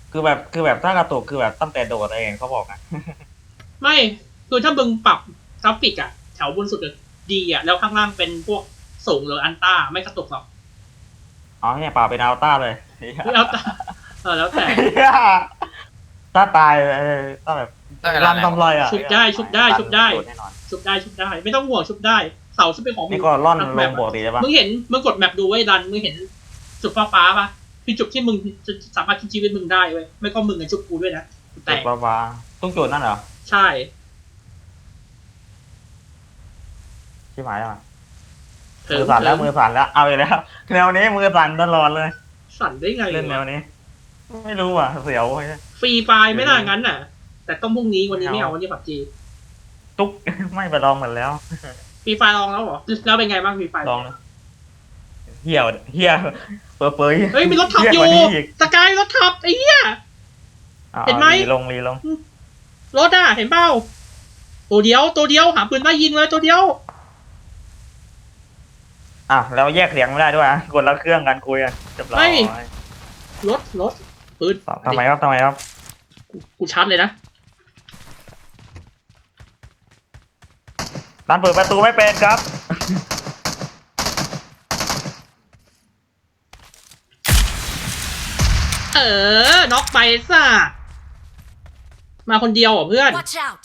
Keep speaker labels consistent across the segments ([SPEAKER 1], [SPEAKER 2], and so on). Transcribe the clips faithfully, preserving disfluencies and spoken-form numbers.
[SPEAKER 1] คือแบบคือแบบถ้ากระตุกคือแบบตั้งแต่โดดเองเขาบอกนะ
[SPEAKER 2] ไม่คือถ้ามึงปรับกราฟิกอะแถวบนสุดดีอะแล้วข้างล่างเป็นพวกสูงหรืออันต้าไม่กระตุกหรอก
[SPEAKER 1] อ๋อเนี่ยป่าเป็นอัลต้าเลย
[SPEAKER 2] แล้วแต่เออแล้วแต่
[SPEAKER 1] ถ้าตายเออถ้าแบบรันทำไรอ่ะ
[SPEAKER 2] ชุบได้ชุบได้ชุบได้
[SPEAKER 1] แน่นอน
[SPEAKER 2] ชุบได้ชุบได้ไม่ต้องห่วงชุบได้เสาชุบเป็นของมึ
[SPEAKER 1] นี่
[SPEAKER 2] ง
[SPEAKER 1] ก็ล่อน
[SPEAKER 2] ทั้ง
[SPEAKER 1] ล
[SPEAKER 2] แม
[SPEAKER 1] ง
[SPEAKER 2] ป
[SPEAKER 1] โบสถ์ดีได้ปะ
[SPEAKER 2] มึงเห็นมึงกดแมปดูไว้ดันมึงเห็นจุดฟ้าฟ้าปะคือจุดที่มึงจะสามารถคิดชีวิตมึงได้เว้ยไม่ก็มึงกับชุบกูด้วยนะแต่
[SPEAKER 1] จุดฟ้าๆต้องจุดนั่นเหรอ
[SPEAKER 2] ใช่
[SPEAKER 1] ชิบหายแล้ว
[SPEAKER 2] เถิ
[SPEAKER 1] มื
[SPEAKER 2] ง
[SPEAKER 1] อสั่นแล้ว
[SPEAKER 2] เถิง
[SPEAKER 1] มือสั่นแล้วเอาอีกแล้วแนวนี้มือสั่นตลอดเลย
[SPEAKER 2] สั่นได้ไง
[SPEAKER 1] เล่นแนว
[SPEAKER 2] วะ
[SPEAKER 1] นี้ ไม่รู้อ่ะเสียวเว้ย
[SPEAKER 2] ฟรีไฟล์ไม่น่างั้นน่ะ แต่ต้องพรุ่งนี้วันนี้ไม่เอาวันนี้ผับจี
[SPEAKER 1] ตุ๊ก ไม่ไปลองเหมือนแล้ว
[SPEAKER 2] ฟรีไฟล์ลองแล้วเหรอแล้วเป็นไงบ้างฟรีไฟล์
[SPEAKER 1] ลองนะเหี้ยวเหี้ยเปิดเผย
[SPEAKER 2] เฮ้ยมีรถขับอยู่
[SPEAKER 1] เหี้กว่านี้อีก
[SPEAKER 2] สกายรถขับไอ้เหี้ย
[SPEAKER 1] อา
[SPEAKER 2] เห็นไหม
[SPEAKER 1] รีลงรีลง
[SPEAKER 2] รถอ่ะเห็นเปล่าตัวเดียวตัวเดียวหาปืนมายิงเลยตัวเดียว
[SPEAKER 1] อ่ะแล้วแยกเสียงไม่ได้ด้วยอ่ะกดละเครื่องกันคุยอ่ะเรียบร้อย
[SPEAKER 2] รถรถปืน
[SPEAKER 1] ทำไมครับทำไมครับ
[SPEAKER 2] กูกูชาร์จเลยนะ
[SPEAKER 1] ร้านเปิดประตูไม่เป็นครับ
[SPEAKER 2] เออน็อกไปซะมาคนเดียวเหรอเพื่อน
[SPEAKER 3] Watch out!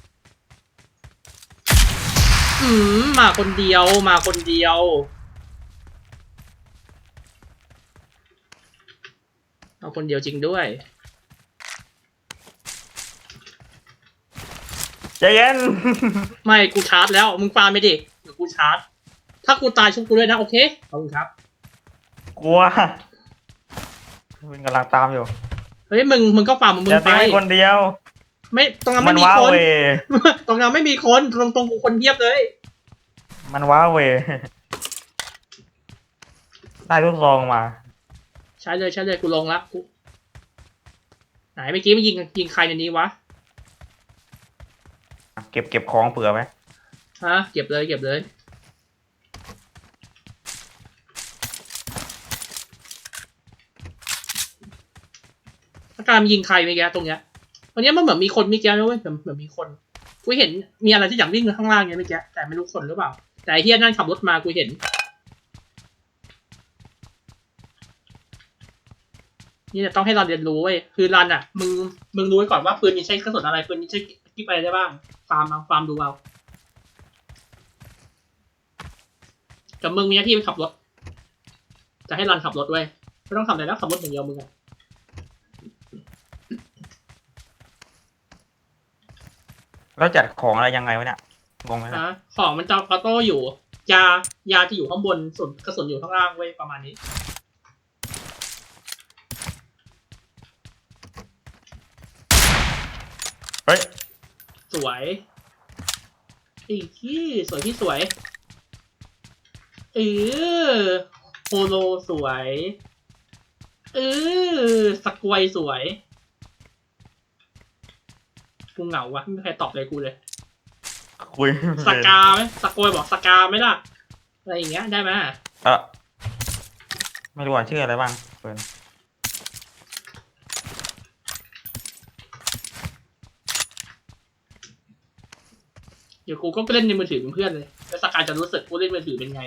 [SPEAKER 2] อืมมาคนเดียวมาคนเดียวเอาคนเดียวจริงด้วย
[SPEAKER 1] ใจเย็น
[SPEAKER 2] ไม่กูชาร์จแล้วมึงฟาร์มไม่ดิเดี๋ยวกูชาร์จถ้ากูตายชุบกูด้วยนะโอเคขอบคุณครับ
[SPEAKER 1] กลัวมันกำลังตามอยู่
[SPEAKER 2] เฮ้ยมึงมึงก็ฟาร์มมึง
[SPEAKER 1] อย่า
[SPEAKER 2] ไป
[SPEAKER 1] ทิ้งให้คนเดียว
[SPEAKER 2] ไม่ตรงนั้น
[SPEAKER 1] มั
[SPEAKER 2] ไม่
[SPEAKER 1] น
[SPEAKER 2] มี
[SPEAKER 1] ว้า
[SPEAKER 2] คน
[SPEAKER 1] เว
[SPEAKER 2] ตรงนั้นไม่มีคนตรงตรงกูคนเยียบเลย
[SPEAKER 1] มันว้าเว ได้ทุกซองมา
[SPEAKER 2] ใช้เลยใช้เลยกูลงละกูไหนเมื่อกี้มันยิงยิงใครในนี้วะ
[SPEAKER 1] เก็บเก็บของเผื่อไหม
[SPEAKER 2] ฮะเก็บเลยเก็บเลยอาการมันยิงใครเมื่อกี้ตรงเนี้ยวันนี้มันเหมือนมีคนเมื่อกี้นะเว้ยเหมือนเหมือนมีคนกูเห็นมีอะไรที่อย่างวิ่งข้างล่างเนี้ยเมื่อกี้แต่ไม่รู้คนหรือเปล่าแต่ไอ้เฮียนั่นขับรถมากูเห็นนี่เนี่ยต้องให้เราเรียนรู้เว้ยคือรันอ่ะมึงมึงรู้ไว้ก่อนว่าปืนนี้ใช้กระสุนอะไรปืนนี้ใช้กิ๊บอะไรได้บ้างฟาร์มเอาฟาร์มดูเอากับมึงมีหน้าที่ไปขับรถจะให้รันขับรถเว้ยไม่ต้องทำอะไรแล้วขับรถอย่างเดียวมึงอ่ะ
[SPEAKER 1] แล้วจัดของอะไรยังไงวะเนี่ยงงไหมนะ
[SPEAKER 2] นะของมันจะออโต้อยู่ยายาจะอยู่ข้างบนส่วนกระสุนอยู่ข้างล่างเว้ยประมาณนี้
[SPEAKER 1] เฮ้ย
[SPEAKER 2] สวยอีกที่สวยที่สวยเออโฮโลสวยเออสกวยสวยกูเหงาวะไม่มีใครตอบเลยกูเลย
[SPEAKER 1] คุย
[SPEAKER 2] สกาไหมสกวยบอกสกาไหมล่ะอะไรอย่างเงี้ยได้ไหม
[SPEAKER 1] เออไม่รู้ว่าชื่ออะไรบ้างเปิด
[SPEAKER 2] เดี๋ยวกูก็เล่นในมือถือเป็นเพื่อนเลยแล้วสกายจะรู้สึกกูเล่นมือถือเป็นไง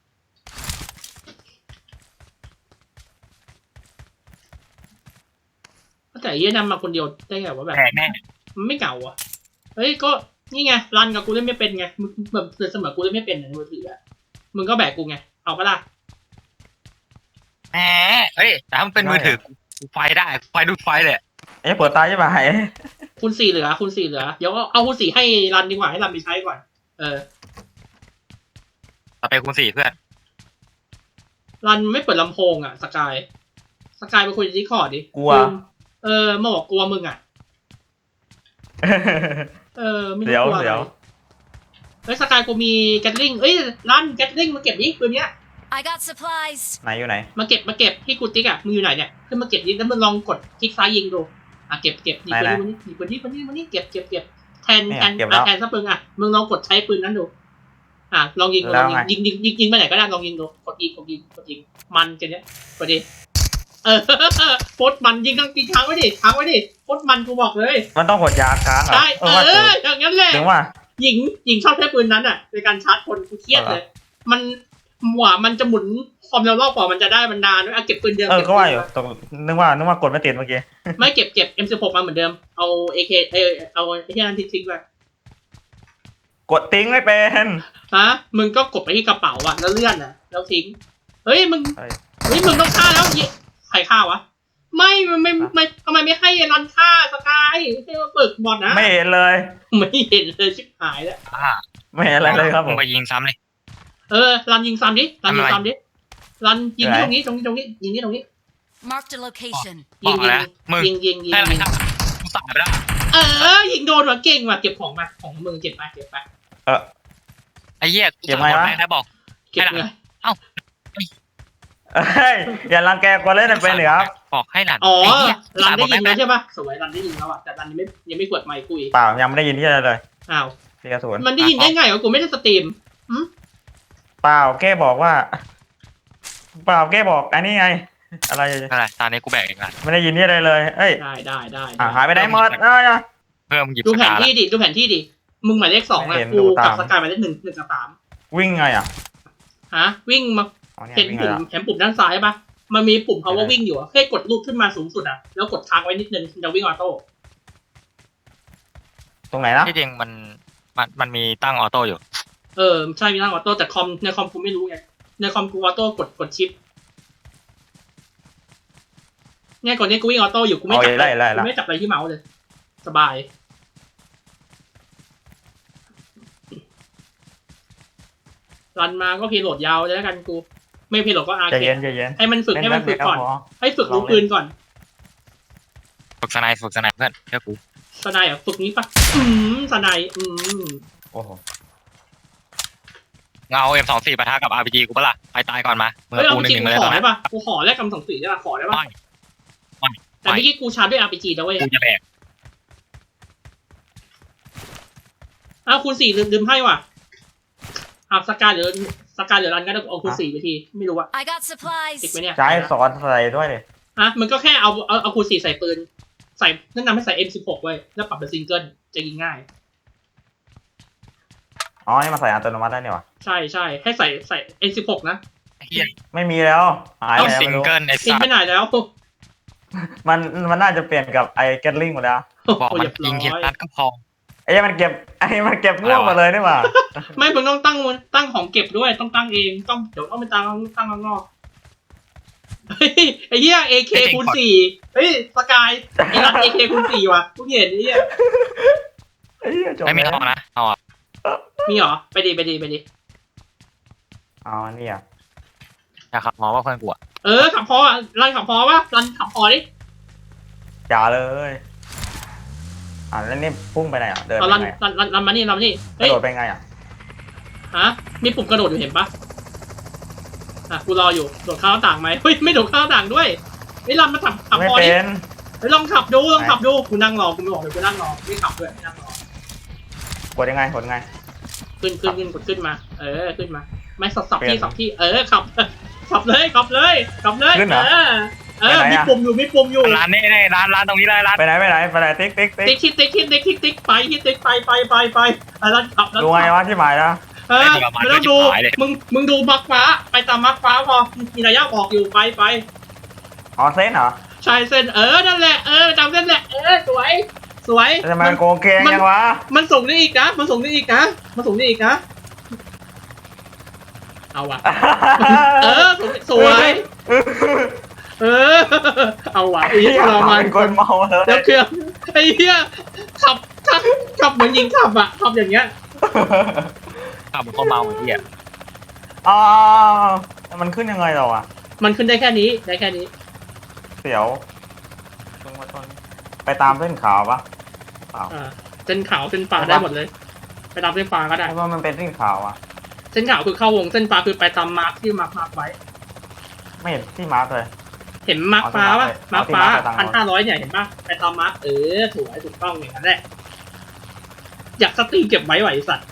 [SPEAKER 2] แต่ไอ้เหี้ยนำมาคนเดียวได้ไงวะแบบ
[SPEAKER 1] แตกแน่
[SPEAKER 2] มันไม่เก่าอ่ะเฮ้ยก็นี่ไงรันกับกูเล่นไม่เป็นไงมึงแบบเสมอกูเล่นไม่เป็นในมือถืออะมึงก็แบกกูไงเอาปะล่ะ
[SPEAKER 4] แหมเฮ้ยแต่ถ้ามันเป็นมือถือกูไฟได้ไฟดูดไฟเลย
[SPEAKER 1] เอ๊ะเปิดตาใช่ไหม
[SPEAKER 2] คุณสี่เหลือคุณสี่เหลือเดี๋ยวเอาคุณสี่ให้รันดีกว่าให้รันไปใช้ก่อนเออ
[SPEAKER 4] ต่อไปคูณสี่เพื่อน
[SPEAKER 2] รันไม่เปิดลำโพงอ่ะสกายสกายไปคุยที่คอร์ดดิ
[SPEAKER 1] กลัว
[SPEAKER 2] เออมาบอกกลัวมึงอ่ะเออไม่รู้
[SPEAKER 1] เดี๋ยว
[SPEAKER 2] กลัวอะไร
[SPEAKER 1] เดี๋ยว
[SPEAKER 2] เฮ้ยสกายกูมีแกตลิงเอ้ยรันแกตลิงมาเก็บดิปืนเนี้ย
[SPEAKER 3] I got supplies.
[SPEAKER 1] ไหนอยู่ไหน
[SPEAKER 2] มาเก็บมาเก็บที่กูติ๊กอ่ะมึงอยู่ไหนเนี่ยขึ้นมาเก็บดิแล้วมึงลองกดคลิกซ้ายยิงดูอ่ะเก็บเก็บนี่ปืนนี้นี่ปืนนี้ปืนนี้ปืนนี้เก็บเก็บเก็บแทนแทนแทนซะปืนอ่ะมึงลองกดใช้ปืนนั้นดูอ่ะลองยิงลองยิงยิงยิงยิงยิงไปไหนก็ได้ลองยิงดูกดยิงกดยิงกดยิงมันกันเนี้ยกดดิเออโคตรมันยิงทั้งกินค้างไว้ดิค้างไว้ดิโคตรมันกูบอกเลย
[SPEAKER 1] มันต้องกดยาค้างเหรอ
[SPEAKER 2] ใช่เอ
[SPEAKER 1] ว่า
[SPEAKER 2] ออย่างนั้นแหละ
[SPEAKER 1] ถึงว่า
[SPEAKER 2] หญิงหญิงชอบใช้ปืนนั้นอ่ะในการชาร์จคนกูเครียดเลย มันหว่ามันจะหมุนความเร็วรอบกว่ามันจะได้มันนานด้วยอ่ะเก็บปืนเดิม
[SPEAKER 1] เออ
[SPEAKER 2] เก็บ
[SPEAKER 1] ก็
[SPEAKER 2] ปื
[SPEAKER 1] ว่าน อยู่ตรงนึกว่านึกว่ากดไม่ติดเมื่อกี้
[SPEAKER 2] ไม่เก็บเก็บ เอ็ม สิบหก มาเหมือนเดิมเอา เอ เค เออเอาไอ้ที่นั่นทิ้งๆไป
[SPEAKER 1] กดทิ้งไม่เป็น
[SPEAKER 2] ฮะมึงก็กดไปที่กระเป๋าอ่ะแล้วเลื่อนอ่ะแล้วทิ้งเฮ้ยมึง
[SPEAKER 1] เฮ้ย
[SPEAKER 2] เฮ้ยมึงต้องฆ่าแล้วยิใครฆ่าวะไม่มันไม่ไม่ทำไมไม่ให้รันฆ่าสกายให้มาเปิดบอลนะ
[SPEAKER 1] ไม่เห็นเลย
[SPEAKER 2] ไม่เห็นเลยชิบหายแล้ว
[SPEAKER 4] อ่า
[SPEAKER 1] ไม่เห็นอะไรเลยครับผ
[SPEAKER 4] มึ
[SPEAKER 1] ม
[SPEAKER 4] งไปยิงซ้ำเลย
[SPEAKER 2] เออรันยิงซ้ำดิรันยิง
[SPEAKER 4] ทำไม
[SPEAKER 2] ซ้ำดิรันยิงที่
[SPEAKER 1] ไหน
[SPEAKER 2] ตรงนี้ตรงนี้ตรงนี้ยิงที่ตรงนี้
[SPEAKER 3] Marked a location.
[SPEAKER 4] บ
[SPEAKER 2] ยิ
[SPEAKER 4] อง ก
[SPEAKER 2] ยิง
[SPEAKER 4] แล้วมึง
[SPEAKER 2] ยิงยิงยิง
[SPEAKER 4] ให้อะไร
[SPEAKER 2] ยิง
[SPEAKER 4] ครับกูสายไปแล้ว
[SPEAKER 2] เออยิงโดนว่ะเก่งว่ะเก็บของมาของมึงเก็บไปเก็บไป
[SPEAKER 1] เออ
[SPEAKER 4] ไอ้เหี้ยกู
[SPEAKER 1] เก็บ
[SPEAKER 4] สาย
[SPEAKER 1] ไว้
[SPEAKER 4] หมด
[SPEAKER 1] วะ
[SPEAKER 4] แม่งได้บอก
[SPEAKER 2] เก็บ
[SPEAKER 4] ให้หลัง
[SPEAKER 2] เลย
[SPEAKER 1] เฮ้ยอย่ารังแกคนเล่นเป็นเหรอครับ
[SPEAKER 4] บอกให้หลาน
[SPEAKER 2] อ๋อ
[SPEAKER 4] ไอ้เหี้ย
[SPEAKER 2] รัน
[SPEAKER 4] สายหม
[SPEAKER 2] ได้
[SPEAKER 4] ด
[SPEAKER 2] ยิ
[SPEAKER 4] แม่
[SPEAKER 2] น
[SPEAKER 4] ง
[SPEAKER 2] แล้วใช่ปะสวยรันได้ยินแล้วอ่ะแต่รันยังไม่ยังไม่กดไมค์คุย
[SPEAKER 1] เปล่ายังไม่ได้ยินที่อะไรเลย
[SPEAKER 2] อ้าว
[SPEAKER 1] ที่กระสุน
[SPEAKER 2] มันได้ยินได้ไงวะกูไม่ได้สตรีม
[SPEAKER 1] เปล่าแกบอกว่า เปล่าแกบอกอันนี้ไง อะไร
[SPEAKER 4] อะไรตอนนี้กูแบกเองละ
[SPEAKER 1] ไม่ได้ยินที่อะไรเลยเอ้ย
[SPEAKER 2] ได้ได้ได้
[SPEAKER 1] อ่ะหายไปไหนหมดเอ้ย
[SPEAKER 4] เพิ่มหยิบ
[SPEAKER 2] ดู
[SPEAKER 4] ส
[SPEAKER 2] แผน
[SPEAKER 4] กาละ
[SPEAKER 2] ที่ดิดูแผนที่ดิมึงหมายเลขสอง
[SPEAKER 1] ไม่
[SPEAKER 2] อ่ะ
[SPEAKER 1] เห็น
[SPEAKER 2] กู
[SPEAKER 1] ดูตาม
[SPEAKER 2] กับสกายหมายเลขหนึ่งหนึ่งกับสาม
[SPEAKER 1] วิ่งไงอ่ะ
[SPEAKER 2] ฮะวิ่งมา
[SPEAKER 1] อ๋อเนี่ย
[SPEAKER 2] เห็น
[SPEAKER 1] วิ่งไง
[SPEAKER 2] ปุ่ม
[SPEAKER 1] ล่ะ
[SPEAKER 2] เห็นปุ่มด้านซ้ายปะมันมีปุ่ม power
[SPEAKER 1] เห็นแล้ว
[SPEAKER 2] วิ่งอยู่อะแค่กดลูกขึ้นมาสูงสุดอ่ะแล้วกดค้างไว้นิดนึงมันจะวิ่งออโต้
[SPEAKER 1] ตรงไหนนะ
[SPEAKER 4] ที่จริงมันมันมันมีตั้งออโต้อยู่
[SPEAKER 2] เออใช่มีทางออโต้แต่คอมในคอมกูไม่รู้ไงในคอมกูออโต้กดกดชิปเนี่ยก่อนนี้กูวิ่งออโต้อยู่กูไม่
[SPEAKER 1] เอา
[SPEAKER 2] จับ
[SPEAKER 1] ไล่ไล่
[SPEAKER 2] กู
[SPEAKER 1] ละ
[SPEAKER 2] ไม่จับอะไรที่เมาส์เลย สบายรันมาก็พีโหลดยาวเลยแล้วกันกู ไม่พีโหลดก็อาร์
[SPEAKER 1] ใจ
[SPEAKER 2] เค
[SPEAKER 1] เย็
[SPEAKER 2] ด
[SPEAKER 1] นใจเย็น
[SPEAKER 2] ให้มันฝึกให้มันฝึกก่อน
[SPEAKER 1] เล่แป๊บเดียวพ
[SPEAKER 2] ให้ฝึกรู้ปืนก่อน
[SPEAKER 4] ฝึกสไนด์ฝึกสไนด์เพื่อนเชื่อกู
[SPEAKER 2] สไนด์อ่ะฝึกนี้ปะอืมสไนด์อืม
[SPEAKER 1] โอ้โห
[SPEAKER 4] เงา เอ็ม สองสิบ ปะทะกับ อาร์ พี จี กูปะล่ะไปตายก่อนมาเมื่
[SPEAKER 2] เฮ้ย
[SPEAKER 4] อ
[SPEAKER 2] เอา
[SPEAKER 4] กูห
[SPEAKER 2] จริ
[SPEAKER 4] นึ่
[SPEAKER 2] ง
[SPEAKER 4] ง
[SPEAKER 2] ๆ
[SPEAKER 4] หนึ่ง
[SPEAKER 2] กู
[SPEAKER 4] มาเลยตอน
[SPEAKER 2] ขอได้
[SPEAKER 4] นี้
[SPEAKER 2] ปะกูขอแลกกำสองสีได้ปะขอได้ปะ
[SPEAKER 4] ไม่ไม่
[SPEAKER 2] แต่เมื่อกี้กูชาร์จด้วย อาร์ พี จี นะเว้ย
[SPEAKER 4] กูจะแบก
[SPEAKER 2] อ้าวคูณสี่ลืมลืมให้ว่ะอ้าวสกายหรือสกายหรือรันก็ได้เอาคูณสี่ไปทีไม่รู้ว่า
[SPEAKER 3] I got
[SPEAKER 2] ติด
[SPEAKER 3] supplies.
[SPEAKER 2] ไหมเนี่ย
[SPEAKER 1] ใช้สอนใส่ด้วยเลย
[SPEAKER 2] อ่ะมันก็แค่เอาเอาเอาคูณสี่ใส่ปืน ใส่แนะนำให้ใส่ เอ็ม สิบหก ไว้แล้วปรับเป็นซิงเกิลจะยิงง่าย
[SPEAKER 1] อ๋อนี่มาใส่อัตโนมัติได้เนี่ยวะ
[SPEAKER 2] ใช่ใช่ให้ใส่ใส่ เอ็ม สิบหก นะ
[SPEAKER 4] เฮีย
[SPEAKER 1] ไม่มีแล้วหาย
[SPEAKER 4] ต้อง
[SPEAKER 1] แล้ว
[SPEAKER 4] ซิง
[SPEAKER 1] ไม่รู้
[SPEAKER 4] เกิลไอ้
[SPEAKER 2] ทิ้ง
[SPEAKER 4] สั
[SPEAKER 2] ไป
[SPEAKER 4] ส
[SPEAKER 2] ไหนแล้ว
[SPEAKER 1] มันมันน่าจะเปลี่ยนกับไอ้แกตลิงหมดแล้ว
[SPEAKER 4] บอกมัน
[SPEAKER 2] เรียบร้
[SPEAKER 4] ยิงที
[SPEAKER 2] อย
[SPEAKER 4] นัดก็พอ
[SPEAKER 1] ไอ้มันเก็บไอ้มันเก็บม่วงหมาเลยนี่หว่า
[SPEAKER 2] ไม่มึงต้องตั้งตั้งของเก็บด้วยต้องตั้งเองต้องเดี๋ยวต้องไปตั้งตั้งข้างนอกเฮ้ยไอ้เหี้ย เอ เค คูณสี่เฮ้ยสกายไอ้รัน เอ เค คูณสี่ว่ะกูเห็นไอ้เหี้ย
[SPEAKER 1] ไอ้เหี้ยจบ
[SPEAKER 4] ไม่มี
[SPEAKER 1] แล้ว
[SPEAKER 4] ทองนะเอาอ่ะ
[SPEAKER 2] มีเหรอไปดีไปดีไปดี
[SPEAKER 1] อ๋อนี่อ่ะ
[SPEAKER 4] นะครับมองว่าเพื่อนกูอ่ะ
[SPEAKER 2] เออขับพออ่ะรันขับพอปะรันขับพอดิ
[SPEAKER 1] อย่าเลยอ่าแล้วนี่พุ่งไปไหนอ่ะเดิน
[SPEAKER 2] เอา
[SPEAKER 1] ไป
[SPEAKER 2] รัน
[SPEAKER 1] ไง
[SPEAKER 2] รันรันรันมานี่รันมานี่
[SPEAKER 1] ก
[SPEAKER 2] เฮ้
[SPEAKER 1] ระ
[SPEAKER 2] ย
[SPEAKER 1] โดดไปไงอ่ะ
[SPEAKER 2] ฮะมีปุ่มกระโดดอยู่เห็นปะอ่ะกูรออยู่โดดข้าวต่างไหมเฮ้ยไม่โดดข้าวต่างด้วยไอ้ยรันมาขับขับ
[SPEAKER 1] ไม่
[SPEAKER 2] พอ
[SPEAKER 1] เป็
[SPEAKER 2] ดิ
[SPEAKER 1] น
[SPEAKER 2] เฮ้ยลองขับดูลองขับดูกูนั่งรอกูไม่บอกเลยกูนั่งรอไม่ขับด้วยไม่นั่งรอก
[SPEAKER 1] ดยังไงกดยังไง
[SPEAKER 2] ขึ้นขึ้นขึ้นกดขึ้นมา เออขึ้นมา ไม่สับสับ
[SPEAKER 1] เปลี่
[SPEAKER 2] ที่
[SPEAKER 1] ยน
[SPEAKER 2] สับที่เออขับขับเลยขับเลยขับเลย
[SPEAKER 1] ขึ้นเหรอ
[SPEAKER 2] เออเออ
[SPEAKER 1] ไปไหน
[SPEAKER 2] มี
[SPEAKER 1] อะ
[SPEAKER 2] ปุ่มอยู่มีปุ่มอยู่
[SPEAKER 4] ร้านนี่นี่ร้านร้านตรงนี้เลยร้าน
[SPEAKER 1] ไปไหนไปไหนไปไหนติ๊กติ๊กติ๊ก
[SPEAKER 2] ติ๊กติ๊กติ๊กติ๊กติ๊กติ๊กติ๊กไปที่ติ๊กไปไปไปไปอ่ะแล้วขับแล้ว
[SPEAKER 1] ดูไงวะที่หมายนะ
[SPEAKER 2] เออไม่ต้องดูมึงมึงดูมาร์คฟ้าไปตามมาร์คฟ้าพอมีระยะบอกอยู่ไปไป
[SPEAKER 1] อ๋อเส้นเหรอ
[SPEAKER 2] ชายเส้นเออนั่นแหละเออจำเส้นแหละเออสวยสวย
[SPEAKER 1] แล้วทำไมมันโกงเกงยังวะ
[SPEAKER 2] มันส่งได้อีกนะมันส่งได้อีกนะมันส่งได้อีกนะเอาว่ะเออสวยเออเอาว่ะไอ้เหี้ยเรามัน
[SPEAKER 1] เป็นคนเมาเลย
[SPEAKER 2] แล้วเครื่องไอ้เหี้ยขับขับขับเหมือนยิงขับอะขับอย่างเงี้ย
[SPEAKER 4] ขับเหมือนคนเมาเหมือนที่อ่ะ
[SPEAKER 1] อ๋อมันขึ้นยังไงเราอ่ะ
[SPEAKER 2] มันขึ้นได้แค่นี้ได้แค่นี้
[SPEAKER 1] เสียวตรงมาต้นไปตามเส้นขาวปะขาว
[SPEAKER 2] อ่าเส้นขาวเส้นฟ้าได้หมดเลย ไปตามเส้นฟ้าก็ได้
[SPEAKER 1] เพราะว่ามันเป็นเส้นขาวอ่ะ
[SPEAKER 2] เส้นขาวคือเข้าวงเส้นฟ้าคือไปตามมาร์คที่มาร์คมาร์คไว้
[SPEAKER 1] ไม่เห็นที่มาร์กเลย
[SPEAKER 2] เห็นมาร์คฟ้าปะ
[SPEAKER 1] เอา
[SPEAKER 2] มาร์ค
[SPEAKER 1] ที่
[SPEAKER 2] ฟ้า
[SPEAKER 1] มาร์คไปตาม
[SPEAKER 2] พันห้าร้อยเนี่ยเห็นปะไปตามมาร์คเออถูกไอ้ถูกต้องอย่างนั้นแหละอยากสตรีมเก็บไว้ไหวไอ้สัตว์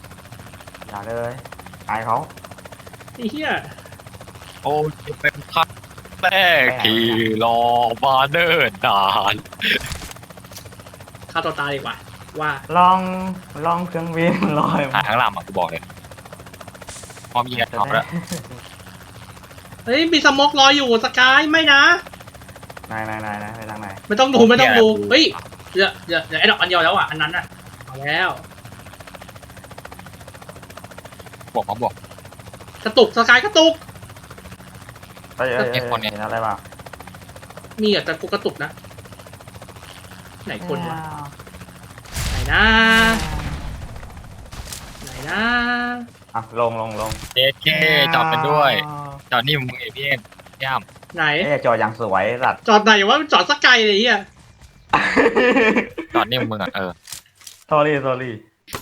[SPEAKER 1] อย่าเลยอายเขา
[SPEAKER 2] ไอ้เหี้ย
[SPEAKER 4] โอ้ยเป็นคัดแรกที่รอมาเนิ่นนาน
[SPEAKER 2] ฆ่าตัวตายดีกว่าว่า
[SPEAKER 1] ลองลองเครื่องบินลอย
[SPEAKER 4] หาข้างล่างมากูบอกเลยพร้อมยิงกันพร้อมแล้ว
[SPEAKER 2] เฮ้ยมีสโมกลอยอยู่สกายไม่นะ
[SPEAKER 1] นายนายนายนายไปทางไหน
[SPEAKER 2] ไม่ต้องดูไม่ต้องดูเฮ้ยเดี๋ยวเดี๋ยวเดี๋ยวไอ้ดอกอันเดียวแล้วอ่ะอันนั้นอ่ะเอาแล้ว
[SPEAKER 4] บอกมาบอก
[SPEAKER 2] กระตุกสกายกระตุก
[SPEAKER 1] เฮ้ยเฮ้ย
[SPEAKER 4] เอ็
[SPEAKER 1] เฮ้ย
[SPEAKER 4] กซ์คนเนี่ย
[SPEAKER 1] เห็นอะไรบ้าง
[SPEAKER 2] มีอ่ะแต่กูกระตุกนะไหนคนวะไหนนะไหนนะ
[SPEAKER 1] อ่ะลงลงลง
[SPEAKER 4] เอเคจอดเป็นด้วย จอดนี่มึงเอพี่เอ็มย่าม
[SPEAKER 2] ไหน
[SPEAKER 1] เอ๊ะจออย่างสวยสัตว์
[SPEAKER 2] จอดไหนวะจอดสกายเลยเฮีย
[SPEAKER 4] จอดนี่มึงอ่ะเออ
[SPEAKER 1] s อรี่ s อรี่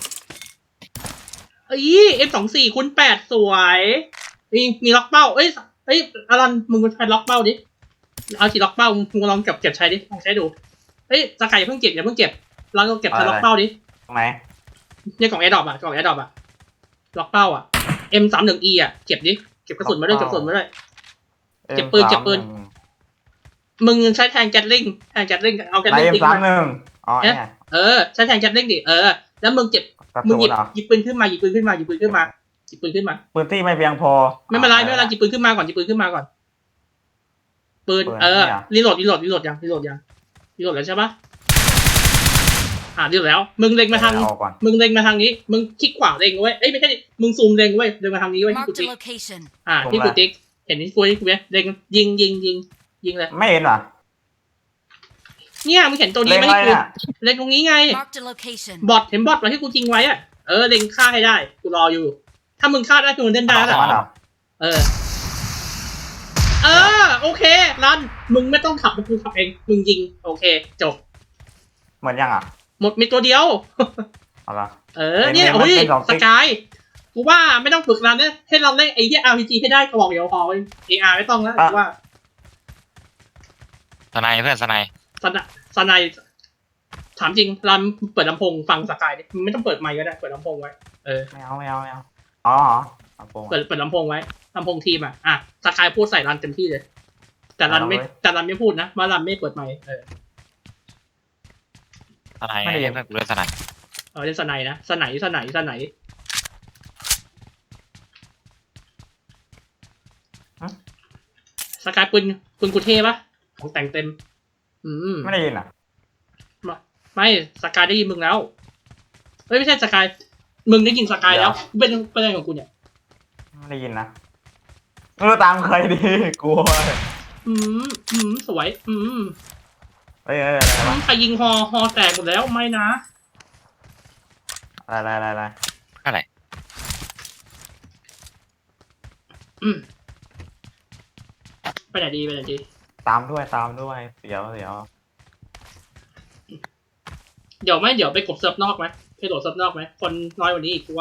[SPEAKER 2] เอ้ยเอฟสองสี่คูณแปดสวยมีมีล็อกเป้าเอ้ยเอ้ยอลันมึงไปล็อกเป้าดิเอาสีล็อกเป้ามึงลองเก็บเก็บใช้ดิลองใช้ดูเอ้ยสกายอย่าเพิ่งเก็บอย่าเพิ่งเก็บลองเก็บใช้ล็อกเป้าดิ
[SPEAKER 1] ตรงไหน
[SPEAKER 2] เนี่ยกล่องแอร์ดรอปอ่ะกล่องแอร์ดรอปอ่ะล็อกเป้าอ่ะ เอ็ม สามสิบ อี อ่ะเก็บดิเก็บกระสุนมาด้วยเก็บกระสุนมาด้วย เก็บปืนเก็บปืน มึงใช้แทนแกตลิงแทนแกตลิงเอาแกต
[SPEAKER 1] ใน
[SPEAKER 2] ลิง
[SPEAKER 1] เอ็ม
[SPEAKER 2] ทิ้ง
[SPEAKER 1] สาม
[SPEAKER 2] มา
[SPEAKER 1] หนึ่งอ๋อเนี่ย
[SPEAKER 2] เออใช้แทนแกตลิงดิเออแล้วมึงเก็บ
[SPEAKER 1] กระ
[SPEAKER 2] มึง
[SPEAKER 1] สุ
[SPEAKER 2] หยิ
[SPEAKER 1] น
[SPEAKER 2] บ
[SPEAKER 1] เหรอ
[SPEAKER 2] หยิบปืนขึ้นมาหยิบปืนขึ้นมาหยิบปืนขึ้นมาหยิบปืนขึ้นมา
[SPEAKER 1] ปืนที่ไม่เพียงพอ
[SPEAKER 2] ไม่เป็นไรไม่เป็นไรหยิบปืนขึ้นมาก่อนหยิบปืนขึ้นมาก่อนปืนเออรีโหลดรีโหลดรีโหลดยังรีโหลดยังรีโหลดแล้วใช่ปะอ่ารีโหลดแล้ว มึงเล็งมาทาง
[SPEAKER 1] เอาก่อน
[SPEAKER 2] มึงเล็งมาทางนี้ มึงคลิกขวาเล็งไว้เอ้ยไม่ใช่มึงซูมเล็งไว้เล็งมาทางนี้ไว้ที่กู
[SPEAKER 3] Marked
[SPEAKER 2] ติ๊
[SPEAKER 3] a
[SPEAKER 2] ก
[SPEAKER 3] location.
[SPEAKER 2] อ่าที่กูติ๊กเห็นที่กูติ๊กไหมเล็งยิงยิงยิงยิงเลย
[SPEAKER 1] ไม่เห็นเหรอ
[SPEAKER 2] เนี่ยมึงเห็นตัวนี้
[SPEAKER 1] เล็ง
[SPEAKER 2] ไหม
[SPEAKER 1] อะไร
[SPEAKER 2] ที่กู
[SPEAKER 1] น่ะ
[SPEAKER 2] เล็งตรงนี้ไง
[SPEAKER 3] Marked a location.
[SPEAKER 2] บอทเห็นบอทไว้ที่กูทิ้งไว้อะเออเล็งฆ่าให้ได้กูรออยู่ ถ้ามึงฆ่าได้คือมึงเล่นได้แล้ว
[SPEAKER 1] มันเหรอ
[SPEAKER 2] เออ เออโอเครันมึงไม่ต้องขับมึงกูขับเองมึงยิงโอเค จบ
[SPEAKER 1] เหมือนยังอ่ะ
[SPEAKER 2] หมดมีตัวเดียว
[SPEAKER 1] เอาละ
[SPEAKER 2] เออเนี่ย
[SPEAKER 1] เป็น
[SPEAKER 2] โอ้ย
[SPEAKER 1] เป็นสอง
[SPEAKER 2] ส
[SPEAKER 1] ติ๊ก
[SPEAKER 2] กายกูว่าไม่ต้องฝึกรันเนี่ยให้เราเล่นไอ้ที่ อาร์ พี จี ให้ได้กระบอกเดียวพอเออาร์ไม่ต้องแล้วกูว่า
[SPEAKER 4] สไนเพื่อนสไน
[SPEAKER 2] สนสนายถามจริงรันเปิดลำโพงฟังสกายดิมึงไม่ต้องเปิดไมค์ก็ได้เปิดลำโพงไว้เออ
[SPEAKER 1] ไม่เอาไม่เอาไม่เอาอ๋อเหรอเอาโปรง
[SPEAKER 2] เปิดเปิดลำโพงไว้ลำโพงทีมอ่ะอ่ะสกายพูดใส่รันเต็มที่เลย แต่รันไม่
[SPEAKER 1] เอาเลย
[SPEAKER 2] แต่รันไม่พูดนะว่ารันไม่เปิดไมค์เออ
[SPEAKER 4] สไน
[SPEAKER 1] ไม่ได้ยิน
[SPEAKER 4] เพื่อนกูเลยสไน
[SPEAKER 2] เออเล่นสไนด์นะสไนด์สไนด์สไนด์สกายปืนปืนกูเท่ปะของแต่งเต็ม อืม
[SPEAKER 1] ไม่ได้ยินอ่ะ
[SPEAKER 2] ไม่สกายได้ยินมึงแล้วเฮ้ยไม่ใช่สกายมึงได้ยินสกายแล้วเป็นเป็นอะไรของกูเนี่ย
[SPEAKER 1] ไม่ได้ยินนะไม่รู้ตามใครดีกลัว
[SPEAKER 2] อืมอืมสวย อืม
[SPEAKER 1] เอ้ยเอ้ยอะไร
[SPEAKER 2] อื
[SPEAKER 1] วะ
[SPEAKER 2] มใครยิงฮอฮอแตกหมดแล้วไม่นะ
[SPEAKER 1] อะไรอะไรอะไร
[SPEAKER 4] อะไร
[SPEAKER 2] อืมไปไหนดีไปไหนดี
[SPEAKER 1] ตามด้วยตามด้วยเสียวเสียว
[SPEAKER 2] เดี๋ยวไม่เดี๋ยวไปกดเซิร์ฟนอกไหมไปโหลดเซิร์ฟนอกไหมคนน้อยกว่านี้อีกกูว่า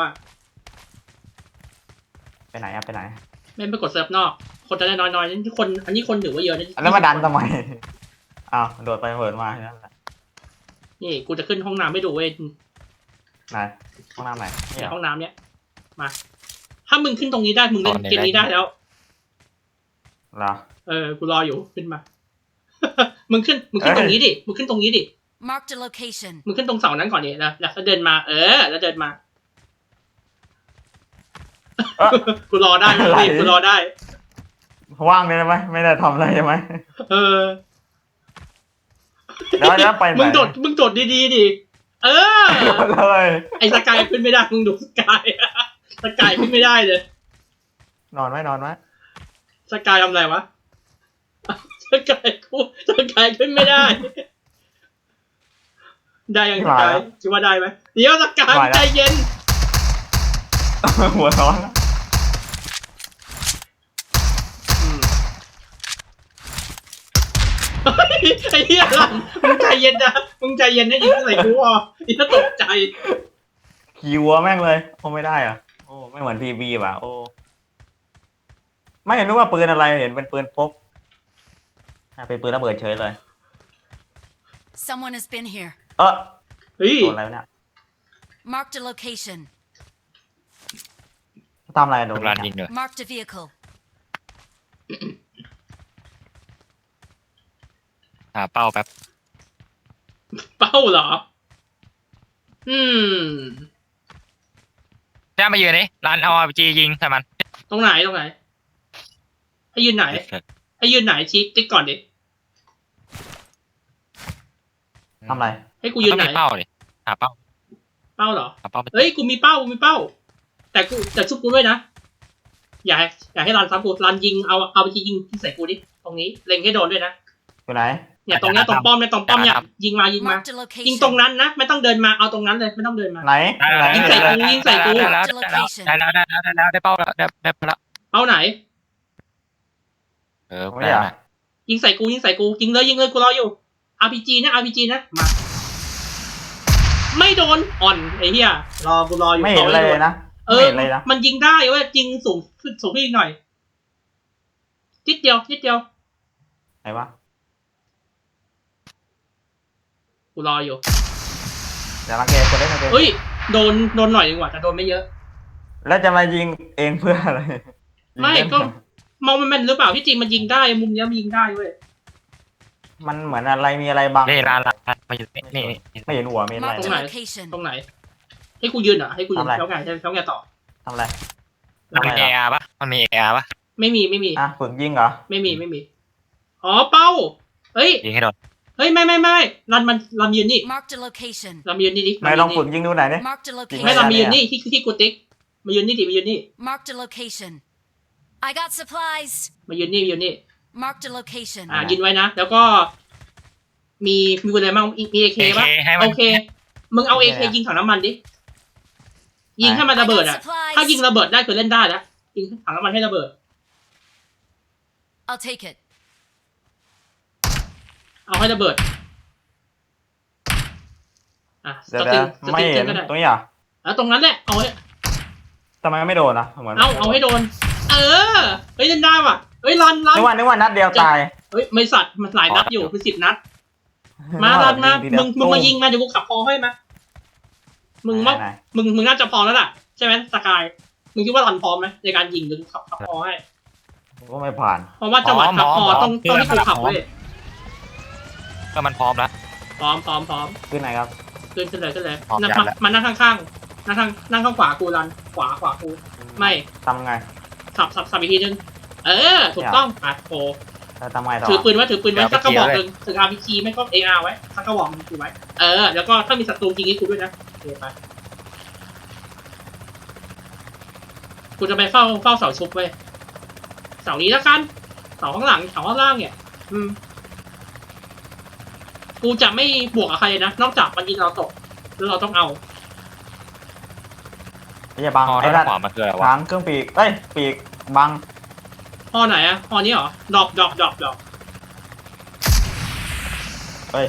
[SPEAKER 1] ไปไหนอะไปไหน
[SPEAKER 2] ไม่ไปกดเซิร์ฟนอก คนจะได้น้อยๆนี่คนอันนี้คนถือว่าเยอะนะ
[SPEAKER 1] แล้วมาดันทำไมอ้าวโดดไปเปิดมาแค่นั้นแหละ
[SPEAKER 2] นี่กูจะขึ้นห้องน้ำไม่ดูเว้ย
[SPEAKER 1] ไหนห้องน้ำไหนนี่
[SPEAKER 2] เนี่
[SPEAKER 1] เหร
[SPEAKER 2] ย
[SPEAKER 1] อ
[SPEAKER 2] ห้องน้ำเนี้ยมา ถ้ามึงขึ้นตรงนี้ได้มึงเล่นเกมนี้ได้แล้ว
[SPEAKER 1] เหรอ
[SPEAKER 2] เออกูรออยู่ขึ้นมา มึงขึ้นมึงขึ้นตรงนี้ดิมึงขึ้นตรงนี้ดิ
[SPEAKER 3] Marked a location.
[SPEAKER 2] มึงขึ้นตรงเสานั้นก่อนดิแล้วแล้วเดินมา เออ แล้วเดินมา
[SPEAKER 1] เอ้อ
[SPEAKER 2] กูรอได้ไม่ต้องรีบกูรอได้
[SPEAKER 1] ว่างเลยไหมไม่ได้ทำอะไรใช่ไหม
[SPEAKER 2] เออ
[SPEAKER 1] แล้วแล้วไปไหน
[SPEAKER 2] มึงโดดมึงโดดดีๆดิเออ
[SPEAKER 1] เลย
[SPEAKER 2] ไอ้สกายขึ้นไม่ได้มึงดูสกาย สกายขึ้นไม่ได้เลย
[SPEAKER 1] นอนไหมนอนไหม
[SPEAKER 2] สกายทำอะไรวะ สกายกูสกายขึ้นไม่ได้ ได้ยังสกายคิดว่าได้ไหมเดี๋ยวสกายใจเย็น
[SPEAKER 1] หัวร้อน
[SPEAKER 2] อืมเฮ้ยไอ้เหี้ยหลังมึงใจเย็นนะมึงใจเย็นนะยิงใส่กูอ่ะอีน่าตกใจ
[SPEAKER 1] ขี่วัวแม่งเลยโอ้ไม่ได้เหรอะโอ้ไม่เหมือนพีบีว่ะโอ้ไม่เห็นรู้ว่าปืนอะไรเห็นเป็นปืนพกอ่ะเป็นปืนระเบิดเฉยเลย
[SPEAKER 3] Someone has been here.
[SPEAKER 1] เออ
[SPEAKER 2] เฮ้ย
[SPEAKER 1] โดนอะไรวะเนี่ย
[SPEAKER 3] Marked a location.
[SPEAKER 1] ทำอะไรโด
[SPEAKER 4] ทุ
[SPEAKER 1] น
[SPEAKER 4] กร้านยิงเลย
[SPEAKER 3] Marked a vehicle.
[SPEAKER 4] หาเป้าแป๊บ
[SPEAKER 2] เป้าเหรอ อืม
[SPEAKER 4] แจ้มายืนนี่ร้านเอาอาร์พีจียิงใส่มัน
[SPEAKER 2] ตรงไหนตรงไหน ให้ยืนไหน ให้ยืนไหนชี้ติ๊กก่อนดิ
[SPEAKER 1] ทำไร
[SPEAKER 2] ให้กูยืน
[SPEAKER 4] ต้อง
[SPEAKER 2] ไหน
[SPEAKER 4] มีเป้าดิหาเป้า
[SPEAKER 2] เป้าเหรอ
[SPEAKER 4] หาเป้า
[SPEAKER 2] เฮ้ยกูมีเป้ากูมีเป้า แต่กูแต่ชุบกูด้วยนะ อย่าให้อย่าให้รันซ้ำกูรันยิงเอาเอาไปยิงที่ใส่กูดิตรงนี้เล็งให้โดนด้วยนะ
[SPEAKER 1] อยู่ไหน
[SPEAKER 2] เนี่ยตรงเนี้ยตรงป้อมเนี่ยตรงป้อมเนี่ยยิงมายิงมา
[SPEAKER 3] Marked a
[SPEAKER 2] ยิงตรง
[SPEAKER 3] location.
[SPEAKER 2] นั้นนะไม่ต้องเดินมาเอาตรงนั้นเลยไม่ต้องเดินมา
[SPEAKER 1] ไหนไหน
[SPEAKER 2] ยิงใส่กูยิงใส่กู
[SPEAKER 4] ได้แล้วได้แล้วได้แล้วได้แล้วได้เป้าแล้วได้ได้เป้าแล้ว
[SPEAKER 2] เป้าไหน
[SPEAKER 4] เออ
[SPEAKER 1] ไม่
[SPEAKER 4] ได้
[SPEAKER 1] อยาก
[SPEAKER 4] แล้ว
[SPEAKER 2] ยิงใส่กูยิงใส่กูยิงเลยยิงเลยกูรออยู่ อาร์ พี จี นะ อาร์ พี จี นะมาไม่โดนอ่อนไอ้เหี้ยรอกูรออยู่
[SPEAKER 1] ไม่เห็นอะไรเลยนะ
[SPEAKER 2] เอ
[SPEAKER 1] ไม่
[SPEAKER 2] อ
[SPEAKER 1] เห็นเลยนะ
[SPEAKER 2] มันยิงได้เว้ยยิงสูงขึ้นสูงขึ้นอีกหน่อยนิดเดียวนิดเดียว
[SPEAKER 1] ไหนวะ
[SPEAKER 2] กูรออยู่
[SPEAKER 1] อย่ารังแกคนได้ไม่เป็น
[SPEAKER 2] เฮ้ยโดนโดนหน่อยดีกว่าแต่โดนไม่เยอะ
[SPEAKER 1] แล้วจะมายิงเองเพื่ออะไร
[SPEAKER 2] ไม่
[SPEAKER 1] ยิงเล่น
[SPEAKER 2] ก็มองมันแม่นหรือเปล่าที่จริงมันยิงได้มุมเนี้ยมันยิงได้เว้ย
[SPEAKER 1] มันเหมือนอะไรมีอะไรบัง
[SPEAKER 4] นี่ร้านร้านมาอยู่นี่นี่นี่
[SPEAKER 1] ไม่เห็นหัวไม่เห็นอะไร
[SPEAKER 3] Marked a
[SPEAKER 2] ไหน
[SPEAKER 3] location.
[SPEAKER 2] ตรงไหน ให้กูยืนเหรอให้กูยืน
[SPEAKER 1] ทำอะไร
[SPEAKER 2] แล้วไงแล้วไงต่อ
[SPEAKER 1] ทำอะไร
[SPEAKER 4] มันมีเออาร์ปะมันมีเออาร์ปะ
[SPEAKER 2] ไม่มีไม่มี
[SPEAKER 1] อ่ะฝึกยิงเหรอ
[SPEAKER 2] ไม่มีไม่มีอ๋อเป้าเฮ้ย
[SPEAKER 4] ยิงให้โดน
[SPEAKER 2] เฮ้ยไม่ไม่ไม่รันมันรันยืนนี่
[SPEAKER 3] Marked a location.
[SPEAKER 2] รันยืนนี่ดิ
[SPEAKER 1] ไหนลองฝึกยิงดูหน่อยดิ
[SPEAKER 3] Marked a
[SPEAKER 2] ไม่
[SPEAKER 3] location.
[SPEAKER 2] รันยืนนี่ที่ที่กูติ๊กมายืนนี่ดิมายืนนี่
[SPEAKER 3] Marked a location. I got supplies.
[SPEAKER 2] มายืนนี่มายืนนี่
[SPEAKER 3] Marked a location.
[SPEAKER 2] อ่ายืนไว้นะแล้วก็ มีมีอะไรบ้างมีเอเค
[SPEAKER 4] เอ
[SPEAKER 2] ป่ะ
[SPEAKER 4] เคให้มัน
[SPEAKER 2] โอเคมึงเอาเอเคยิงถังน้ำมันดิยิงให้มันระเบิด
[SPEAKER 3] I
[SPEAKER 2] อ่ะ
[SPEAKER 3] got supplies.
[SPEAKER 2] ถ้ายิงระเบิดได้คือเล่นได้แล้วยิงถังน้ำมันให้ระเบิด
[SPEAKER 3] I'll take it.
[SPEAKER 2] เอาให้ระเบิดอ่ะ
[SPEAKER 1] เดี๋
[SPEAKER 2] ส
[SPEAKER 1] ยว
[SPEAKER 2] ติ
[SPEAKER 1] เดี๋
[SPEAKER 2] ง
[SPEAKER 1] ยว
[SPEAKER 2] ส
[SPEAKER 1] ไม่
[SPEAKER 2] ติง
[SPEAKER 1] เห็น
[SPEAKER 2] ก็ได้
[SPEAKER 1] ตรงนี้เหรอ่ะ
[SPEAKER 2] แล้วตรงนั้นแหละเอาให้
[SPEAKER 1] ทำไมไม่โดนอ่ะเหมือน
[SPEAKER 2] เอาเอาให้โดน เออเฮ้ยเล่นได้ว่ะเฮ้ยรันรัน
[SPEAKER 1] นึกว่านึกว่านัดเดียวตาย
[SPEAKER 2] เฮ้ยไม่สัตว์มันหลายนัดอยู่เป็นสิบนัด มารันมามึงมึงมายิงมาเดี๋ยวกูขับพอให้มามึง
[SPEAKER 1] ไหน
[SPEAKER 2] มา
[SPEAKER 1] ไหน
[SPEAKER 2] มึงมึงน่าจะพร้อมแล้วล่ะใช่ไหมสกายมึงคิดว่ารันพร้อมไหมในการยิงเดี๋ยวกูขับขับพอให้
[SPEAKER 1] ผมก็ไม่ผ่าน
[SPEAKER 2] เพราะว่าจังหวะขับพอต้องต้องให้กูขับเว้ย
[SPEAKER 4] ก็มันพร้อมแล้ว
[SPEAKER 2] พร้อมพร้อมพร้อม
[SPEAKER 1] ขึ้นไหนครับ
[SPEAKER 2] ขึ้นขึ้นเลยขึ้นเลย
[SPEAKER 4] พร้อม
[SPEAKER 2] นั่ง
[SPEAKER 4] ยั
[SPEAKER 2] มา
[SPEAKER 4] ดแล้ว
[SPEAKER 2] มานั่งข้างๆนั่งข้างนั่งข้างขวากูรันขวาขวากูไม่
[SPEAKER 1] ทำไง
[SPEAKER 2] สับสับสับอีกทีนึงเออถูกต้องปัดโผ
[SPEAKER 1] แล้วทำไงต่อ
[SPEAKER 2] ถือปืนไว้ถือปืนไว้สักกระบอกหนึ่งถือ อาร์ พี จี ไม่ก็ เอ อาร์ ไว้สักกระบอกหนึ่งถือไว้เออแล้วก็ถ้ามีศัตรูยิงให้กูด้วยนะโอเคไปกูจะไปเฝ้าเฝ้าเสาชุบเว้ยเสานี้แล้วกันเสาข้างหลังเสาข้างล่างเนี่ย อืมกูจะไม่บวกกับใครเลยนะนอกจากมันยิงเราตกแล้วเราต้องเอา
[SPEAKER 1] ไม่ใช่บัง
[SPEAKER 4] พอ
[SPEAKER 1] ไอ้
[SPEAKER 4] ด้า
[SPEAKER 1] ด้าน น
[SPEAKER 4] ขวามันคืออะไรวะ
[SPEAKER 1] ทางเครื่องปีกเอ้ยปีกบัง
[SPEAKER 2] พอไหนอะพอนี้เหรอดอกดอกดอกดอก
[SPEAKER 1] เฮ้ย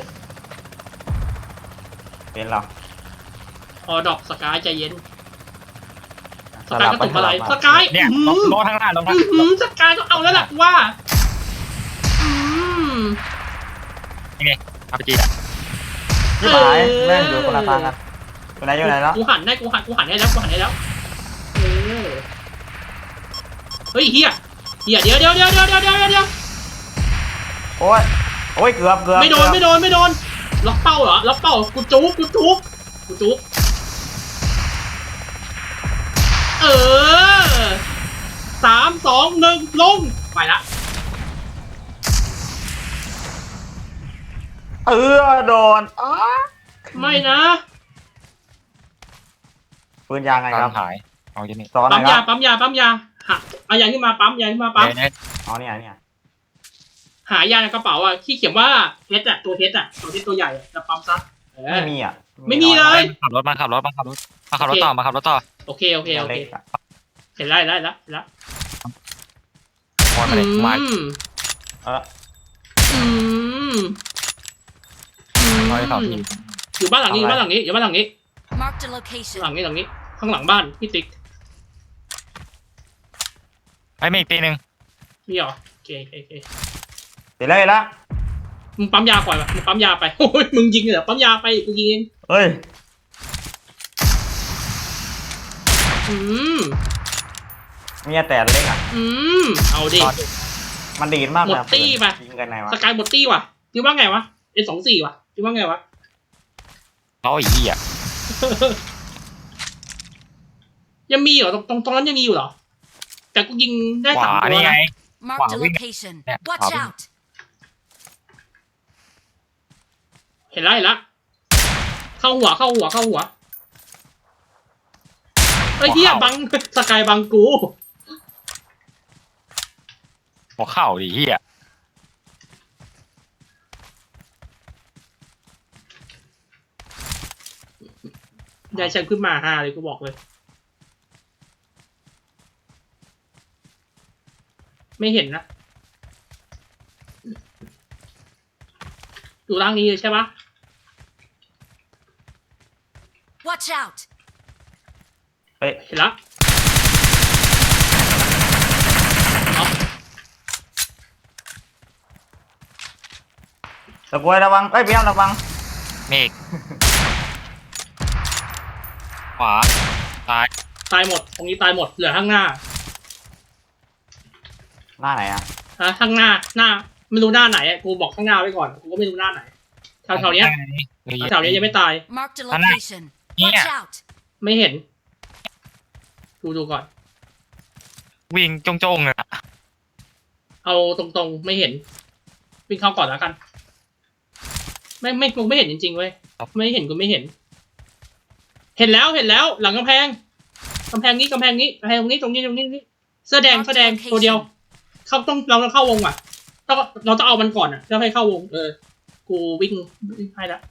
[SPEAKER 1] เป็นเหรอ
[SPEAKER 2] พอดอกสกายใจเย็น
[SPEAKER 1] ส
[SPEAKER 2] สกาย
[SPEAKER 1] ลับ
[SPEAKER 2] ก็
[SPEAKER 1] ไป
[SPEAKER 2] ตุกอะไร
[SPEAKER 1] ส
[SPEAKER 2] ส
[SPEAKER 1] ลับ
[SPEAKER 2] กาย
[SPEAKER 4] เนี่ย
[SPEAKER 2] อื้อ
[SPEAKER 4] ล
[SPEAKER 2] หื
[SPEAKER 4] ง
[SPEAKER 2] อ
[SPEAKER 4] ลงทางหน้าลงทาง
[SPEAKER 2] อื้อหือสกายต้องเอาแล้วล่ะว่าอืม
[SPEAKER 4] อาร์พีจี
[SPEAKER 1] ที่หายแม่งอยู่คนละทางกันอยู่ไหนอยู่ไหนแล้ว
[SPEAKER 2] กูหันได้กูหันกูหันได้แล้วกูหันได้แล้วเออเฮ้ยเฮียเฮียเดี๋ยวเดี๋ยวเดี๋ยวเดี๋ยวเดี๋ยวเดี๋ยวเดี๋ยว
[SPEAKER 1] โอ้ยโอ้ยเกือบเกือบ
[SPEAKER 2] ไม่โดนไม่โดนไม่โดนล็อกเป้าเหรอล็อกเป้ากูจุกกูจุกกูจุกเออสามสองหนึ่งลงไปละ
[SPEAKER 1] เออโดนอ้า
[SPEAKER 2] ไม่นะ
[SPEAKER 1] ปืนยางไงครับ
[SPEAKER 4] หายเอาอย่างนี้
[SPEAKER 1] สอนหน่
[SPEAKER 2] ปั๊
[SPEAKER 1] อ
[SPEAKER 2] ม
[SPEAKER 1] ยค
[SPEAKER 2] ยา
[SPEAKER 1] รับ
[SPEAKER 2] ปั๊มยาปั๊มยาหาเอายาขึ้นมาปั๊มยาขึ้นมาปั๊ม
[SPEAKER 4] เนี่ย
[SPEAKER 1] อ๋อเนี่ยเนี่ย
[SPEAKER 2] หายาในกระเป๋าอ่ะที่เขียนว่าเทสอ่ะตัวเทสอ่ะตัวเทสตัวใหญ่อะจะปั๊มซัดเออ
[SPEAKER 1] ไม่มีอ่ะ
[SPEAKER 2] ไม่มีเลย
[SPEAKER 4] ขับรถมาขับรถมาขับรถมาขับรถต่อมาขับรถต่อ
[SPEAKER 2] โอเคโอเคโอ
[SPEAKER 1] เล็
[SPEAKER 2] เค
[SPEAKER 1] กอะ
[SPEAKER 2] เห็นได้ได้แล้วเห็นแล้ว
[SPEAKER 4] มอนมาเลยมา
[SPEAKER 2] อืม
[SPEAKER 1] เออ
[SPEAKER 2] อืมอืม
[SPEAKER 4] ร้อยสองที
[SPEAKER 2] อยู่บ้านหลังนี้อยู่บ้านหลังนี้อยู่บ้านหลังนี้
[SPEAKER 3] Marked a
[SPEAKER 2] หลั
[SPEAKER 3] location.
[SPEAKER 2] งนี้หลังนี้ข้างหลังบ้านพี่ติ๊ก
[SPEAKER 4] ไอ้ไม่อีกตีหนึ่ง
[SPEAKER 2] นี่เหรอโอเคโอเคโอเค
[SPEAKER 1] เสร็จแล้วเสร็จแล้ว
[SPEAKER 2] มึงปั๊มยาก่อนวะมึงปั๊มยาไปโอ้ยมึงยิงเหรอปั๊มยาไปกูยิงเอง
[SPEAKER 1] เฮ้ย
[SPEAKER 2] อืม
[SPEAKER 1] มีแต่เล็กอ่ะ
[SPEAKER 2] อืมเอาดิ
[SPEAKER 1] มันดีดมาก
[SPEAKER 2] หมดตี้ปะ
[SPEAKER 1] ยิงกันไหนวะ
[SPEAKER 2] สกายหมดตี้ว่ะจคิดว่าไงวะเอสองสี่วะคิดว่าไงวะ
[SPEAKER 4] เขาอีกที่อ่ะ
[SPEAKER 2] ยังมีเหรอตรงตรงตรงนั้นยังมีอยู่เหรอแต่กูยิงได้
[SPEAKER 4] ข
[SPEAKER 2] สาม
[SPEAKER 4] วา
[SPEAKER 2] ตัว
[SPEAKER 4] นี่ไง
[SPEAKER 2] นะ
[SPEAKER 3] Marked a
[SPEAKER 4] Wow, we-
[SPEAKER 3] location.
[SPEAKER 4] Yeah,
[SPEAKER 3] Watch
[SPEAKER 4] wow, we-
[SPEAKER 3] out.
[SPEAKER 2] เห็นแล้วเห็นแล้วเข้าหัวเข้าหัวเข้าหัวไอ้ยเหี้ยบังสกายบังกู
[SPEAKER 4] หัวเข่าดิเฮีย
[SPEAKER 2] ยายฉันขึ้นมาฮาเลยกูบอกเลย ไม่เห็นนะอยู่ล่างนี้เลยใช่ปะ
[SPEAKER 3] Watch out.
[SPEAKER 1] เฮ้ย
[SPEAKER 2] เห็นแล้วเอา
[SPEAKER 1] ตะกวยระวังเอ้ยเบี้ยมระวัง
[SPEAKER 4] เมฆขวาซ้าย
[SPEAKER 2] ตายหมดตรงนี้ตายหมดเหลือข้างหน้า
[SPEAKER 1] หน้าไหนอ่ะ
[SPEAKER 2] ฮะข้างหน้าหน้าไม่รู้หน้าไหนอะกูบอกข้างหน้าไว้ก่อนกูก็ไม่รู้หน้าไหนแถวๆเนี้ยแถวๆเนี้ยยังไม่ตาย
[SPEAKER 3] Marked a
[SPEAKER 4] Ano?
[SPEAKER 3] location. Watch
[SPEAKER 4] Yeah.
[SPEAKER 3] out.
[SPEAKER 2] ไม่เห็นดูดูก่อน
[SPEAKER 4] วิ่งจงๆเลยอะ
[SPEAKER 2] เอาตรงๆไม่เห็นวิ่งเข้าก่อนแล้วกัน ไม่ไม่กูไม่เห็นจริงๆเว้ยไม่เห็นกูไม่เห็น เห็นแล้วเห็นแล้ว หลังกำแพงกำแพงนี้กำแพงนี้กำแพงตรงนี้ตรงนี้ตรงนี้ตรงนี้เสื้อแดงเสื้อแดงตัวเดียว เข้าต้องเราต้องเข้าวงอ่ะต้องเราต้องเอามันก่อนอ่ะแล้วให้เข้าวง เออ กูวิ่งวิ่งให้ละ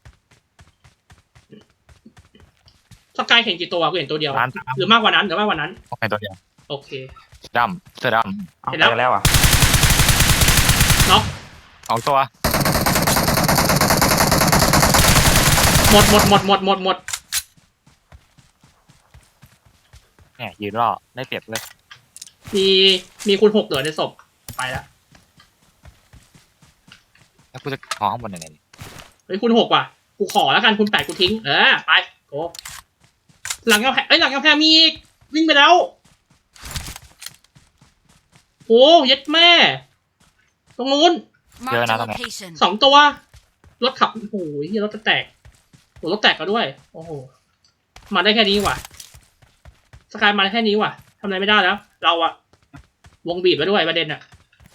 [SPEAKER 2] สกายเห็นกี่ตัวกูเห็นตัวเดียว
[SPEAKER 4] ร้านสาม
[SPEAKER 2] หรือมากกว่านั้นหรือมากกว่านั้น
[SPEAKER 4] ออกไปตัวเดียว
[SPEAKER 2] โอเค
[SPEAKER 4] เสื้อดำเสื้อด
[SPEAKER 1] เอา
[SPEAKER 2] เห็น
[SPEAKER 1] เจ
[SPEAKER 2] แล้ว
[SPEAKER 1] อแล้วอ่ะ
[SPEAKER 2] เนาะ
[SPEAKER 4] ำสองตัว
[SPEAKER 2] หมดหมดหมดหมดหมดหมด
[SPEAKER 4] เนี่ยยืนรอได้เปรียบเลย
[SPEAKER 2] มีมีคุณหกเหลือในศพไปแล้ว
[SPEAKER 4] แล้วกูจะขอข้างบนยังไงดี
[SPEAKER 2] เฮ้ยคุณหกว่ะกูขอแล้วกันคุณแปดกูทิ้งเออไปโกหลังกำแพงเอ้ยหลังกำแพงมีอีกวิ่งไปแล้วโอ้เย็ดแม่ ตรงนู้น
[SPEAKER 3] Marked a location.
[SPEAKER 2] สองตัว รถขับโอ้โหเหี้ยรถจะแตกโหรถแตกก็ด้วย โอ้โหมาได้แค่นี้ว่ะสกายมาได้แค่นี้ว่ะทำอะไรไม่ได้แล้ว เราอะวงบีบไปด้วยประเด็นอะ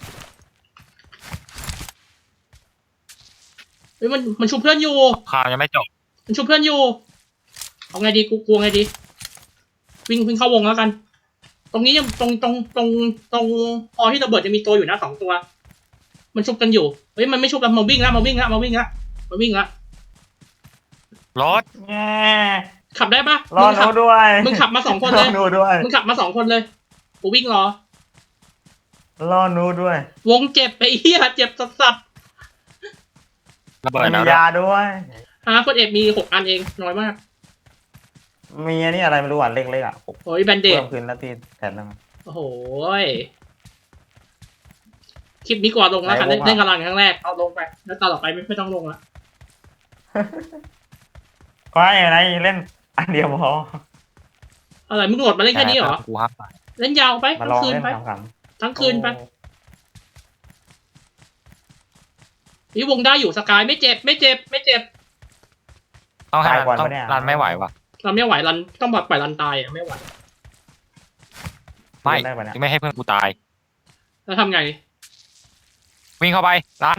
[SPEAKER 2] เฮ้ยมันมันชุบเพื่อนอยู่
[SPEAKER 4] ข่าวยังไม่จบ
[SPEAKER 2] มันชุบเพื่อนอยู่เอาไงดีกูกลัวไงดีวิ่งวิ่งเข้าวงแล้วกัน ตรงนี้ยังตรงตรงตรงตรงพอที่ระเบิดจะมีตัวอยู่นะสองตัว มันชุบกันอยู่เฮ้ยมันไม่ชุบแล้วมาวิ่งแล้วมาวิ่งแล้วมาวิ่งแล้วมาวิ่งแล้ว
[SPEAKER 4] รถ
[SPEAKER 1] แง่
[SPEAKER 2] ขับได้ปะ
[SPEAKER 1] รอ
[SPEAKER 2] มึง
[SPEAKER 1] ห
[SPEAKER 2] ขั
[SPEAKER 1] นู
[SPEAKER 2] บ
[SPEAKER 1] ด้วย
[SPEAKER 2] มึงขับมาสองคน
[SPEAKER 1] ร
[SPEAKER 2] เล
[SPEAKER 1] อย หนูด้วย
[SPEAKER 2] มึงขับมาสองคนเลยกูวิ่งรอ
[SPEAKER 1] รอหนูด้วย
[SPEAKER 2] วงเจ็บไปเฮียเจ็บสัสสัส
[SPEAKER 4] ระเบิด
[SPEAKER 1] มี
[SPEAKER 4] แล้ว
[SPEAKER 1] ยาด้วย
[SPEAKER 2] ฮะคนเอกมีหกอันเองน้อยมาก
[SPEAKER 1] มีอันนี่อะไรไม่รู้อ่ะเล็กๆอ่ะหก
[SPEAKER 2] โอ้ยแบนเด
[SPEAKER 1] เพิ่
[SPEAKER 2] ด
[SPEAKER 1] มขึ้นแล้วที่แทนแล้วมั้ง
[SPEAKER 2] โอ้โหยคลิปนี้ก่อนลงแล้วค่ะ
[SPEAKER 1] ไหนวงอะ
[SPEAKER 2] เล่นกำลังครั้งแรกเอาลงไปแล้วตอนต่อไปไม่ไม่ต้องลงละ
[SPEAKER 1] ไม่อะไรเล่นอันเดียวพอ
[SPEAKER 2] อะไรมึงโหลดมาเล่นแค่นี้เหรอ
[SPEAKER 4] กูห้ามไป
[SPEAKER 2] เล่นยาวไป
[SPEAKER 1] มา
[SPEAKER 2] ทั้
[SPEAKER 1] ลอง
[SPEAKER 2] งคืน
[SPEAKER 1] เล่น
[SPEAKER 2] ไป
[SPEAKER 1] ขำๆ
[SPEAKER 2] ทั้งคืนไปนี่วงได้อยู่สกายไม่เจ็บไม่เจ็บไม่เจ็บ
[SPEAKER 4] ต้องให้
[SPEAKER 1] ตายก่อน
[SPEAKER 4] ต้อง
[SPEAKER 1] ปะเนี่ย
[SPEAKER 4] รันไม่ไหวว่ะ
[SPEAKER 2] เราไม่ไหวรันต้องแบบปล่อยรันตายอ่ะไม่ไหว
[SPEAKER 4] ไม่
[SPEAKER 1] ได้ปะเนี่ย
[SPEAKER 4] ไม่ให้เพื่อนกูตาย
[SPEAKER 2] แล้วทำไง
[SPEAKER 4] วิ่งเข้าไปรัน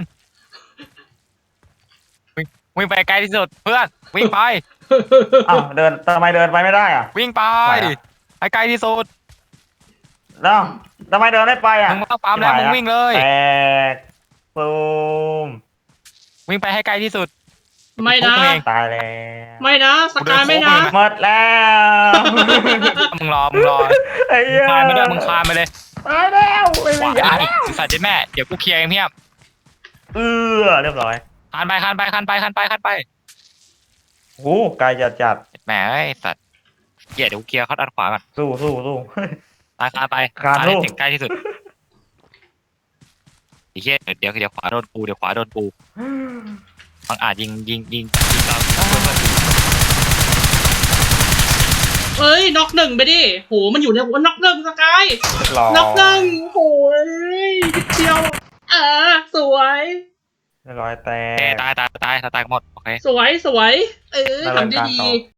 [SPEAKER 4] วิ่งวิ่งไปไกลที่สุดเพื่อนวิ่งไป
[SPEAKER 1] อ้าวเดินทำไมเดินไปไม่ได้อ่ะ
[SPEAKER 4] วิ่งไป
[SPEAKER 1] ไหวอะ
[SPEAKER 4] ไปไกลที่สุด
[SPEAKER 1] แล้วทำไมเดินไม่ไปอ่ะ
[SPEAKER 4] มึงไม่ต้องปั๊มแล้วมึงวิ่งเลย
[SPEAKER 1] แตกตูม
[SPEAKER 4] วิ่งไปให้ไกลที่สุด
[SPEAKER 2] ไม่นะ
[SPEAKER 4] พวกมึงเอง
[SPEAKER 1] ตายแล้ว
[SPEAKER 2] ไม่นะสกายไม่นะ
[SPEAKER 1] หมดแล้ว
[SPEAKER 4] มึงรอมึงรอ
[SPEAKER 1] ไอ้เหี้ย
[SPEAKER 4] คานไปด้วยมึงคานไปเลย
[SPEAKER 1] ตายแล้วไม่
[SPEAKER 4] ข
[SPEAKER 1] มี
[SPEAKER 4] วา
[SPEAKER 1] อยา
[SPEAKER 4] อีกสัตว์เจ็ดแม่เดี๋ยวกูเคลียร์เองเพียบ
[SPEAKER 1] เออเรียบร้อย
[SPEAKER 4] คานไปคานไปคานไปคานไปคานไป
[SPEAKER 1] โอ้ไกลจัดจัด
[SPEAKER 4] แหมไอ้สัตว์เกียร์เดี๋ยวกูเคลียร์เขาด้านขวาก่อน
[SPEAKER 1] สู้สู้สู้
[SPEAKER 4] ไปคานไป
[SPEAKER 1] คาน
[SPEAKER 4] ให้
[SPEAKER 1] ลูก
[SPEAKER 4] ถึงใกล้ที่สุดไอ้เหี้ยเดี๋ยวเดี๋ยวขวาโดนกูเดี๋ยวขวาโดนกูบางอาจยิงยิงยิงยิงเราเพื่อนเพื่อนกู
[SPEAKER 2] เอ้ยน็อกหนึ่งไปดิโหมันอยู่ในหัวน็อกหนึ่งสกาย
[SPEAKER 1] เรียบร้อย
[SPEAKER 2] น็อกหนึ่งโหยนิดเดียวอ่าสวย
[SPEAKER 1] เรียบร้อยแต
[SPEAKER 4] เอ้
[SPEAKER 1] ก
[SPEAKER 4] ตายตายตายตายตายหมดโอเค
[SPEAKER 2] สวยสวย เออ
[SPEAKER 1] ระเบิด
[SPEAKER 2] ทำได้
[SPEAKER 1] กลาง
[SPEAKER 2] ดี
[SPEAKER 1] ต่อ